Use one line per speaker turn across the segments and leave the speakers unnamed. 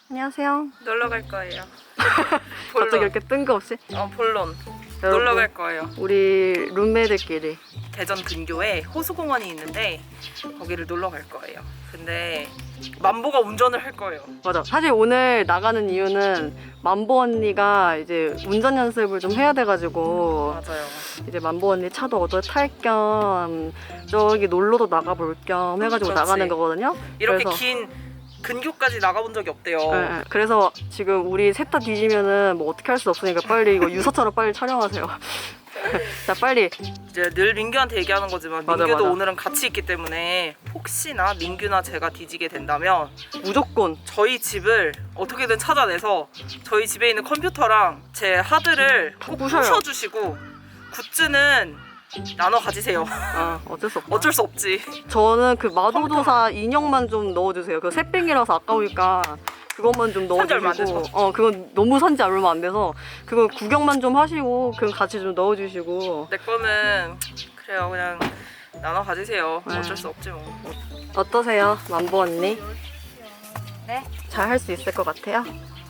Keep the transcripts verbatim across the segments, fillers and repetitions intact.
안녕하세요.
놀러 갈 거예요.
갑자기 이렇게 뜬금없이?
어, 본론.
여러분,
놀러 갈 거예요.
우리 룸메들끼리
대전 근교에 호수공원이 있는데 거기를 놀러 갈 거예요. 근데 만보가 운전을 할 거예요.
맞아. 사실 오늘 나가는 이유는 만보 언니가 이제 운전 연습을 좀 해야 돼가지고
맞아요.
이제 만보 언니 차도 얻어 탈 겸 저기 놀러도 나가볼 겸 해가지고
그렇지.
나가는 거거든요.
이렇게
그래서,
긴 근교까지 나가본 적이 없대요.
네, 네. 그래서 지금 우리 셋 다 뒤지면은 뭐 어떻게 할 수 없으니까 빨리 이거 유서처럼 빨리 촬영하세요. 자, 빨리.
이제 늘 민규한테 얘기하는 거지만
맞아,
민규도
맞아.
오늘은 같이 있기 때문에 혹시나 민규나 제가 뒤지게 된다면
무조건
저희 집을 어떻게든 찾아내서 저희 집에 있는 컴퓨터랑 제 하드를 꼭
부셔요.
부셔주시고 굿즈는 나눠 가지세요.
아, 어쩔 수 없다.
어쩔 수 없지.
저는 그 마도도사 인형만 좀 넣어주세요. 그 새삥이라서 아까우니까 그것만 좀
산지 얼마 안
넣어주시고.
돼서.
어, 그건 너무 산지 얼마 안 돼서 그거 구경만 좀 하시고 그건 같이 좀 넣어주시고.
내 거는 그래요. 그냥 나눠 가지세요.
네.
어쩔 수 없지 뭐.
어떠세요, 만보 언니?
네?
잘 할 수 있을 것 같아요?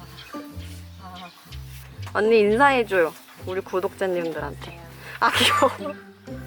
언니 인사해줘요. 우리 구독자님들한테. 아, 귀여워.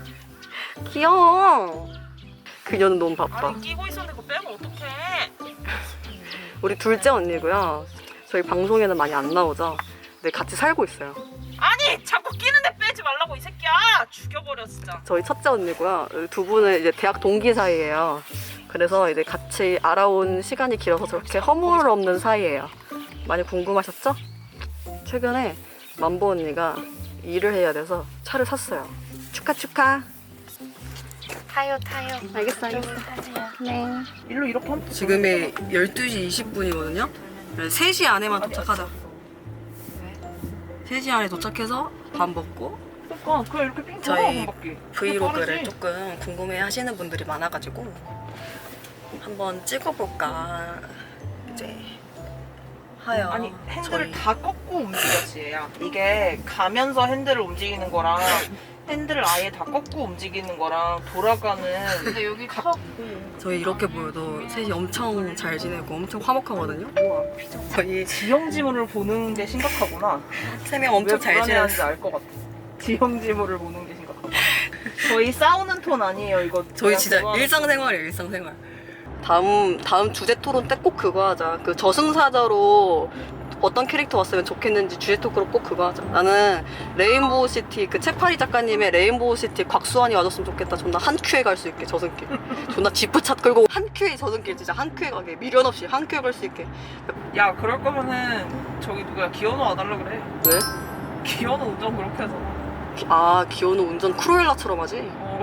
귀여워. 그녀는 너무 바빠.
아니 끼고 있었는데 그거 빼면 어떡해.
우리 둘째 언니고요. 저희 방송에는 많이 안 나오죠. 근데 같이 살고 있어요.
아니 자꾸 끼는데 빼지 말라고 이 새끼야. 죽여버려 진짜.
저희 첫째 언니고요. 두 분은 이제 대학 동기 사이예요. 그래서 이제 같이 알아온 시간이 길어서 저렇게 허물 없는 사이예요. 많이 궁금하셨죠? 최근에 만보 언니가 일을 해야 돼서 차를 샀어요. 축하 축하.
타요 타요.
알겠어 알겠어.
타세요.
네.
일로 이렇게 하면
지금이 열두 시 이십 분이거든요. 세 시 안에만 도착하자. 세 시 안에 도착해서 밥 먹고
그러니까 그냥 이렇게 핑
저희
돌아가는 바퀴.
브이로그를
빠르지?
조금 궁금해 하시는 분들이 많아가지고 한번 찍어볼까 이제 하여.
아니 핸들을
저희
다 꺾고 움직였지 얘야. 이게 가면서 핸들을 움직이는 거랑 핸들을 아예 다 꺾고 움직이는 거랑 돌아가는.
근데 여기 컵
저희 이렇게 보여도 셋이 엄청 잘 지내고 엄청 화목하거든요. 저희
지형지물을 보는 게 심각하구나.
세 명 엄청
왜
잘
불안해하는지
지냈어.
알 것 같아. 지형지물을 보는 게 심각하다. 저희 싸우는 톤 아니에요 이거.
저희
그냥
진짜
그거 하는
일상생활이에요, 일상생활. 다음 다음 주제 토론 때 꼭 그거 하자. 그 저승사자로 어떤 캐릭터 왔으면 좋겠는지 주제 토크로 꼭 그거 하자. 나는 레인보우 시티 그 채파리 작가님의 레인보우 시티 곽수환이 와줬으면 좋겠다. 존나 한 큐에 갈 수 있게 저승길. 존나 지프차 끌고 한 큐에 저승길 진짜 한 큐에 가게 미련 없이 한 큐에 갈 수 있게.
야 그럴 거면은 저기 누구야 기현우 와달라 그래.
왜?
기현우 운전 그렇게 해서.
기- 아 기어노 운전 크루엘라처럼 하지?
어.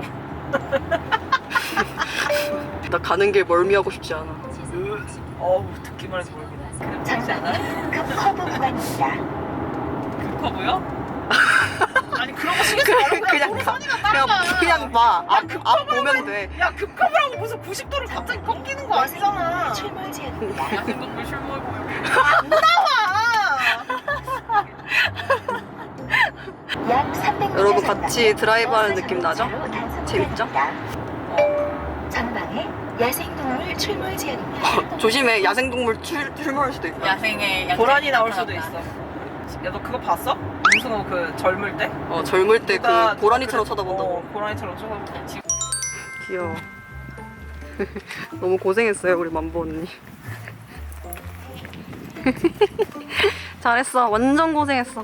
나 가는 길 멀미하고 싶지 않아.
어우 듣기만 해도 모르겠네.
장난은 급 커브 구간입니다.
그 커브요? 아니 그런 거 신경 쓰지 말고
그냥
그냥
가.
선이나
그냥
따라가.
그냥 봐. 앞,
그
앞 보면 돼.
야 급커브라고 무슨 구십 도를 갑자기 꺾이는 거 아니잖아.
출몰 지역입니다.
야생동물 실물 보여.
안
나와.
약 삼백 미터
여러분
전방에
같이 드라이브하는
버스
느낌 나죠?
정류장으로 단속
재밌죠?
구간입니다. 전방에 야생동물 출몰 지역입니다.
조심해. 야생동물 출, 출몰할 수도 있다.
야생의
고라니 나올 수도 있어. 야 너 그거 봤어? 무슨 그 젊을 때?
어 젊을 때
누가
그 고라니처럼
그래-
쳐다본다고.
어, 고라니처럼 쳐다본다고. 지금
귀여워. 너무 고생했어요 우리 만보 언니. 잘했어. 완전 고생했어.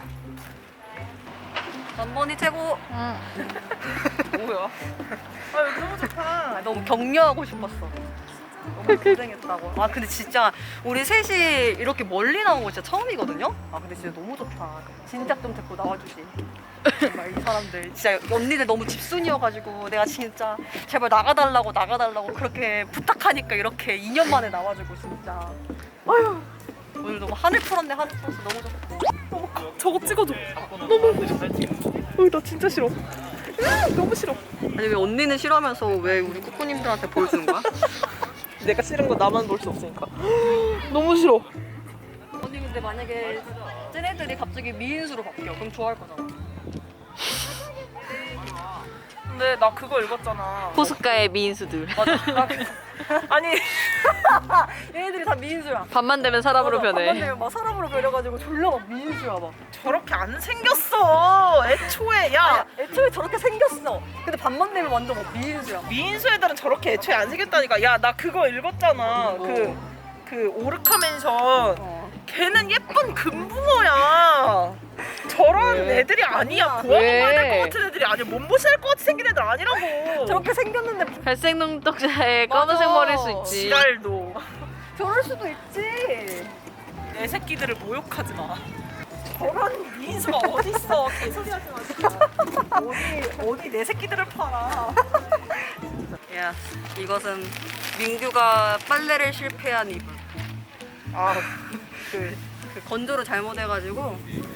만보 언니 최고.
뭐야? 아 여기 너무 좋다.
아, 너무 격려하고 싶었어. 너무 고생했다고. 아 근데 진짜 우리 셋이 이렇게 멀리 나온 거 진짜 처음이거든요. 아 근데 진짜 너무 좋다. 진작 좀 데리고 나와주지. 정말 이 사람들 진짜 언니들 너무 집순이여가지고 내가 진짜 제발 나가달라고 나가달라고 그렇게 부탁하니까 이렇게 이 년 만에 나와주고 진짜. 아휴 오늘 너무 하늘 풀었네. 하늘 풀었어. 너무 좋다.
저거 찍어줘. 너무 싫어. 나 진짜 싫어. 으, 너무 싫어.
아니 왜 언니는 싫어하면서 왜 우리 꾸꾸님들한테 보여주는 거야?
내가 싫은 거 나만 볼 수 없으니까. 너무 싫어.
언니 근데 만약에 쟤네들이 갑자기 미인수로 바뀌어 그럼 좋아할 거잖아.
근데 나 그거 읽었잖아.
포스카의 미인수들.
맞아. 나 그- 아니
얘네들이 다 미인수야.
밤만 되면 사람으로
맞아,
변해.
밤만 되면 막 사람으로 변해가지고 졸라 막 미인수야 막.
저렇게 안 생겼어. 애초에 야
야, 애초에 저렇게 생겼어. 근데 밤만 되면 완전 막 미인수야.
미인수 애들은 저렇게 애초에 안 생겼다니까. 야 나 그거 읽었잖아.
뭐.
그 그 오르카 맨션.
어.
걔는 예쁜 금붕어야. 저런
왜?
애들이 아니야.
아니야.
고아가
왜?
될것 같은 애들이 아니야. 몸보신할 것 같이 생긴 애들 아니라고.
저렇게 생겼는데
갈색 눈동자에
맞아.
검은색 머리일 수 있지.
지랄도.
저럴 수도 있지.
내 새끼들을 모욕하지 마. 저런 미인수가 어딨어. 개소리 하지 마. 진짜. 어디 어디 내 새끼들을 팔아.
야, 이것은 민규가 빨래를 실패한 이불.
아,
그, 그 건조를 잘못해가지고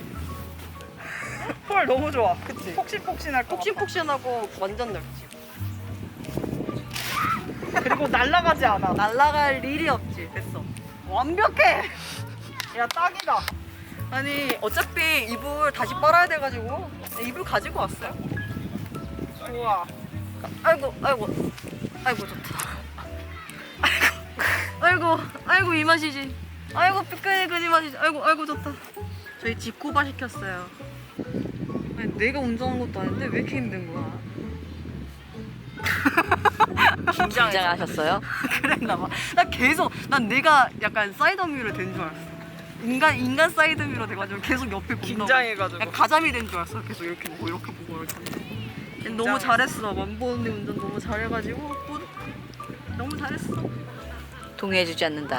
헐 너무 좋아.
그치?
폭신폭신할 것 같아.
폭신폭신하고 완전 넓지.
그리고 날아가지 않아.
날아갈 일이 없지. 됐어. 완벽해.
야 딱이다.
아니 어차피 이불 다시 빨아야 돼가지고 이불 가지고 왔어요.
좋아.
아이고 아이고 아이고 좋다. 아이고 아이고 아이고 이 맛이지. 아이고 삐까니 그지 맛이지. 아이고 아이고 좋다. 저희 집코바 시켰어요. 아니, 내가 운전한 것도 아닌데 왜 이렇게 힘든 거야?
긴장하셨어요?
그랬나봐. 나 계속 난 내가 약간 사이드미러 된 줄 알았어. 인간 인간 사이드미러 돼가지고 계속 옆에 본다고.
긴장해가지고.
약간 가자미 된 줄 알았어. 계속 이렇게 보고 이렇게 보고 이렇게. 보고. 너무 잘했어. 만보 언니 운전 너무 잘해가지고 뿌듯. 너무 잘했어.
동의해주지 않는다.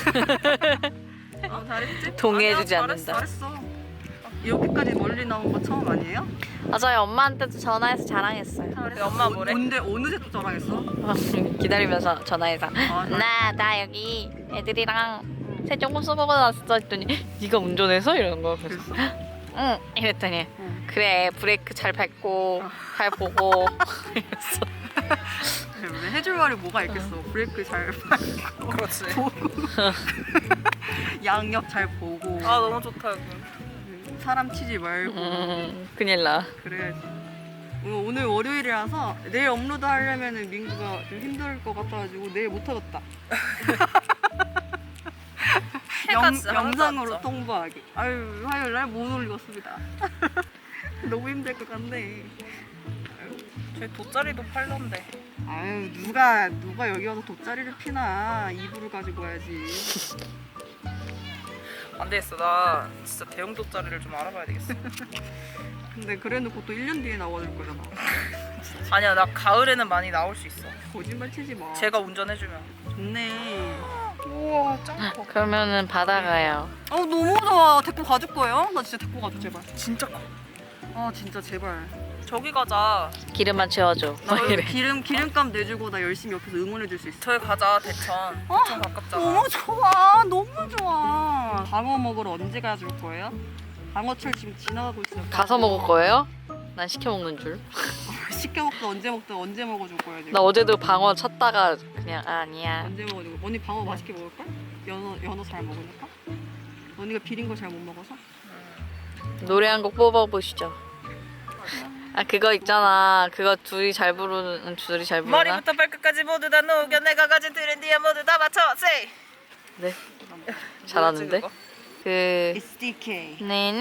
아 잘했지?
동의해주지
아니야,
않는다.
잘했어, 잘했어. 여기까지 멀리 나온 거 처음 아니에요?
맞아요. 엄마한테도 전화해서 자랑했어요.
잘했어.
엄마
어,
뭐래?
언제 어느 새 또 자랑했어?
기다리면서 전화해서
아,
나, 나 여기 애들이랑 세종고 쓰고 나왔어 했더니 네가 운전해서? 이러는 거야. 그래서
그랬어?
응 이랬더니
응.
그래 브레이크 잘 밟고 잘 보고 이랬어.
그래, 해줄 말이 뭐가 있겠어. 브레이크 잘 밟고
그렇지.
보고 양옆 잘 보고
아 너무 좋다 여기.
사람 치지 말고
음, 큰일 나.
그래야지. 오늘, 오늘 월요일이라서 내일 업로드 하려면은 민구가 좀 힘들 것 같아가지고 내일 못 하겠다.
해가
영,
진짜 하나도
영상으로
안 쪄.
통보하기. 아유 화요일 날 못 올리겠습니다. 너무 힘들 것 같네.
저희 돗자리도 팔던데.
아유 누가 누가 여기 와서 돗자리를 피나. 이불을 가지고 와야지.
안 되겠어. 나 진짜 대형 돗자리를 좀 알아봐야 되겠어.
근데 그래놓고 또 일 년 뒤에 나와줄 거잖아.
아니야 나 가을에는 많이 나올 수 있어.
거짓말 치지 마.
제가 운전해주면.
좋네.
우와 짱 커.
그러면은 바다 가요.
어 너무 좋아. 데리고 가줄 거예요? 나 진짜 데리고 가줘 제발.
진짜 커.
아 진짜 제발.
저기 가자.
기름만 채워줘.
나
막 이래.
기름 기름값 내주고 나 열심히 옆에서 응원해 줄 수 있어.
저기 가자 대천.
어?
대천 가깝잖아.
너무 좋아. 너무 좋아. 방어 먹으러 언제 가줄 거예요? 방어철 지금 지나가고 있어요.
가서 먹을 거예요? 난 시켜 먹는 줄.
시켜 먹다 언제 먹다 언제 먹어줄 거야 지금.
나 어제도 방어 찾다가 그냥 아, 아니야.
언제 먹어줄 거야? 언니 방어 맛있게 먹을 걸? 연어 연어 잘 먹으니까. 언니가 비린 거 잘 못 먹어서.
노래 한 곡 뽑아보시죠. 아 그거 있잖아. 그거 둘이 잘 부르는 둘이 잘 부르나?
머리부터 발끝까지 모두 다 녹여 내가 가진 트렌디에 모두 다 맞춰 세이.
네. 잘하는데? 그
It's D K.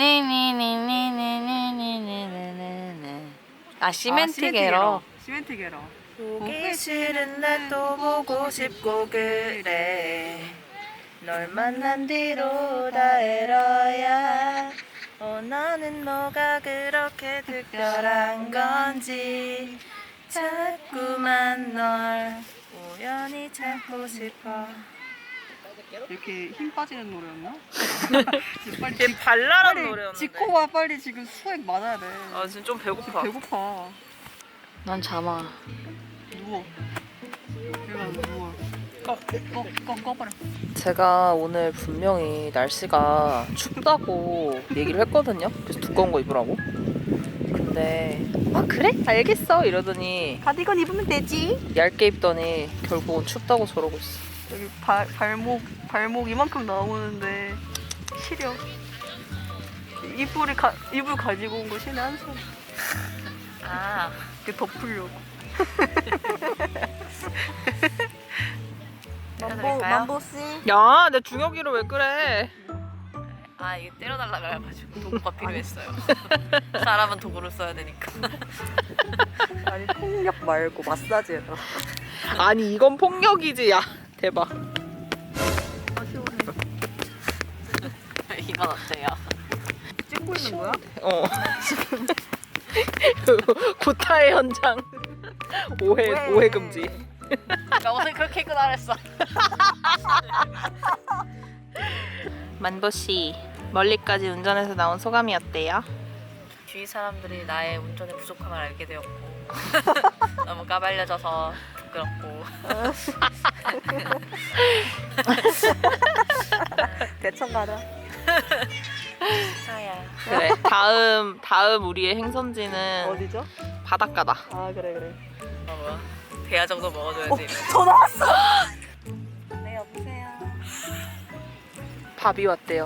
네네네네네네네네네네. 아 시멘트 게러.
시멘트 게러.
보기 싫은 날 또 보고 싶고 그래. 널 만난 뒤로 다 에러야. 어 너는 뭐가 그렇게 특별한 건지 자꾸만 널 우연히 찾고 싶어.
이렇게 힘 빠지는 노래였나? 지금 빨리
걔 발랄한
빨리
노래였는데.
지코와 빨리 지금 수액 맞아야 돼.
아 지금 좀 배고파.
배고파.
난 잠아.
누워. 내가 누워. 꺼, 꺼, 꺼, 꺼버려.
제가 오늘 분명히 날씨가 춥다고 얘기를 했거든요. 그래서 두꺼운 거 입으라고. 근데 아 그래? 알겠어 이러더니
가디건 입으면 되지.
얇게 입더니 결국은 춥다고 저러고 있어.
여기 발, 발목, 발목 이만큼 나오는데 시려. 이불이 가, 이불 가지고 온 거 신의 한 손.
아
이렇게 덮으려고. 만보 만보씨.
야, 내 중혁이를 왜 그래?
아 이게 때려달라고 해가지고 도구가 필요했어요. 사람은 도구를 써야 되니까.
아니 폭력 말고 마사지 해라.
아니 이건 폭력이지. 야, 대박.
이건 어때요?
찍고 있는 거야?
어. 구타의 현장. 오해
왜?
오해 금지.
나 오늘 그렇게 입고 나랬어.
만보 씨, 멀리까지 운전해서 나온 소감이 어때요?
주위 사람들이 나의 운전의 부족함을 알게 되었고 너무 까발려져서 부끄럽고
대천 가자.
사야.
그래. 다음 다음 우리의 행선지는
어디죠?
바닷가다.
아 그래 그래.
어, 뭐야? 대야 정도 먹어줘야지.
전화 왔어. 네 여보세요.
밥이 왔대요.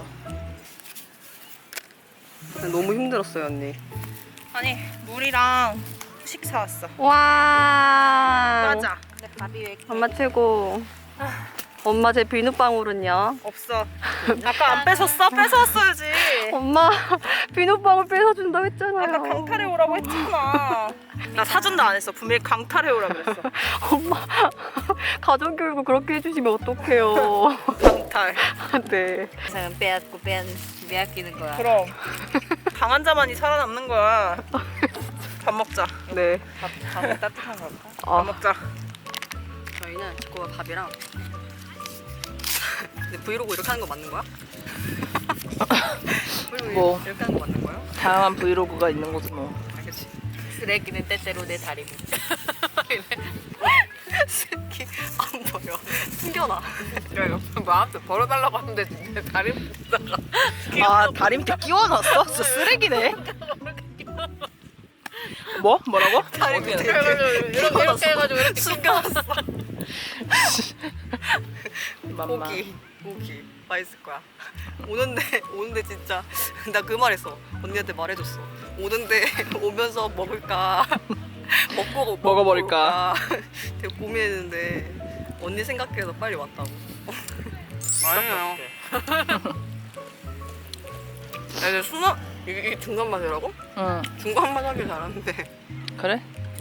너무 힘들었어요 언니.
아니 물이랑 후식 사왔어.
와.
맞아.
근데 밥이 왜
엄마 최고. 엄마 제 비눗방울은요?
없어. 아까 안 뺏었어? 뺏어왔어야지.
엄마 비눗방울 뺏어준다고 했잖아요.
아까 강탈해 오라고 했잖아. 나 사준다 안 했어. 분명히 강탈해 오라 그랬어.
엄마 가정교육을 그렇게 해주시면 어떡해요.
강탈.
네.
세상은 빼앗고 빼앗, 빼앗기는 거야.
그럼 강한 자만이 살아남는 거야. 밥 먹자.
네.
밥, 밥은 따뜻한 걸까?
밥
아,
먹자.
저희는 지코가 밥이랑. 근데 브이로그 이렇게 하는 거 맞는 거야? 브이로그
뭐.
이렇게 하는 거 맞는 거야?
다양한 브이로그가 있는 거지 뭐.
알겠지.
쓰레기는 때때로 내 다리 밑.
새끼 안 보여. 숨겨놔.
뭐 아무튼 벌어달라고 하는데 내 다리 밑에다가
아, 다리 밑에 끼워 넣었어? 진짜 쓰레기네. 뭐? 뭐라고?
다리 밑에 이렇게
이렇게 이렇게 해가지고 이렇게
숨겨놨어.
맘마.
고기 고기 맛있을 거야. 오는데 오는데 진짜 나 그 말했어. 언니한테 말해줬어. 오는데 오면서 먹을까 먹고
먹어버릴까?
먹을까 되게 고민했는데 언니 생각해서 빨리 왔다고.
아니에요.
야, 이제 순한 이게, 이게 중간 맛이라고?
응.
중간 맛 하길 잘하는데.
그래?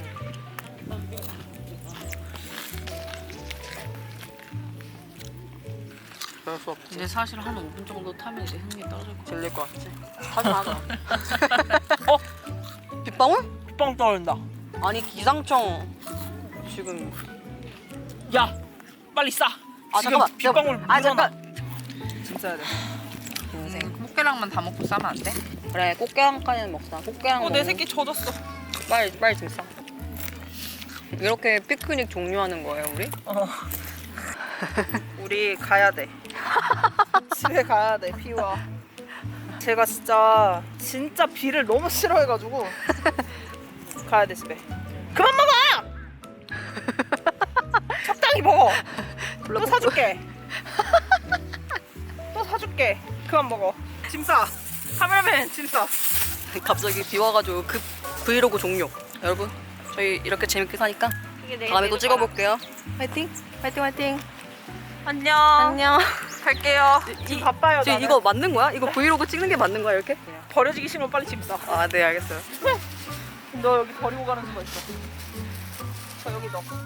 그럴 수 없지.
근데 사실 한 오 분 정도 타면 이제 흥미 떨어질 것 같아.
질릴 것 같지? 하지 마자. 어? 빗방울?
빵 떨린다.
아니 기상청 지금.
야 빨리 싸.
아
지금
잠깐만.
빗방울
아
물어놔.
잠깐. 짐 싸야 돼. 인생.
꽃게랑만 다 먹고 싸면 안 돼?
그래 꽃게랑까지는 먹자. 꽃게랑
어, 내
먹고.
새끼 젖었어.
빨리 빨리 짐 싸. 이렇게 피크닉 종료하는 거예요 우리?
어. 우리 가야 돼. 집에 가야 돼. 비와. 제가 진짜 진짜 비를 너무 싫어해가지고 가야 돼 집에. 그만 먹어. 적당히 먹어. 또 사줄게. 또 사줄게. 그만 먹어. 짐 싸. 카메라맨 짐 싸.
갑자기 비 와가지고 급 브이로그 종료. 여러분 저희 이렇게 재밌게 사니까 다음에 또 찍어볼게요. 화이팅! 화이팅 화이팅!
안녕.
안녕.
갈게요. 지금 바빠요.
지금
나는.
이거 맞는 거야? 이거 브이로그 찍는 게 맞는 거야 이렇게?
버려지기 싫으면 빨리 짐 싸.
아 네 알겠어요.
너 여기 버리고 가는 수가 있어. 저 여기 넣어.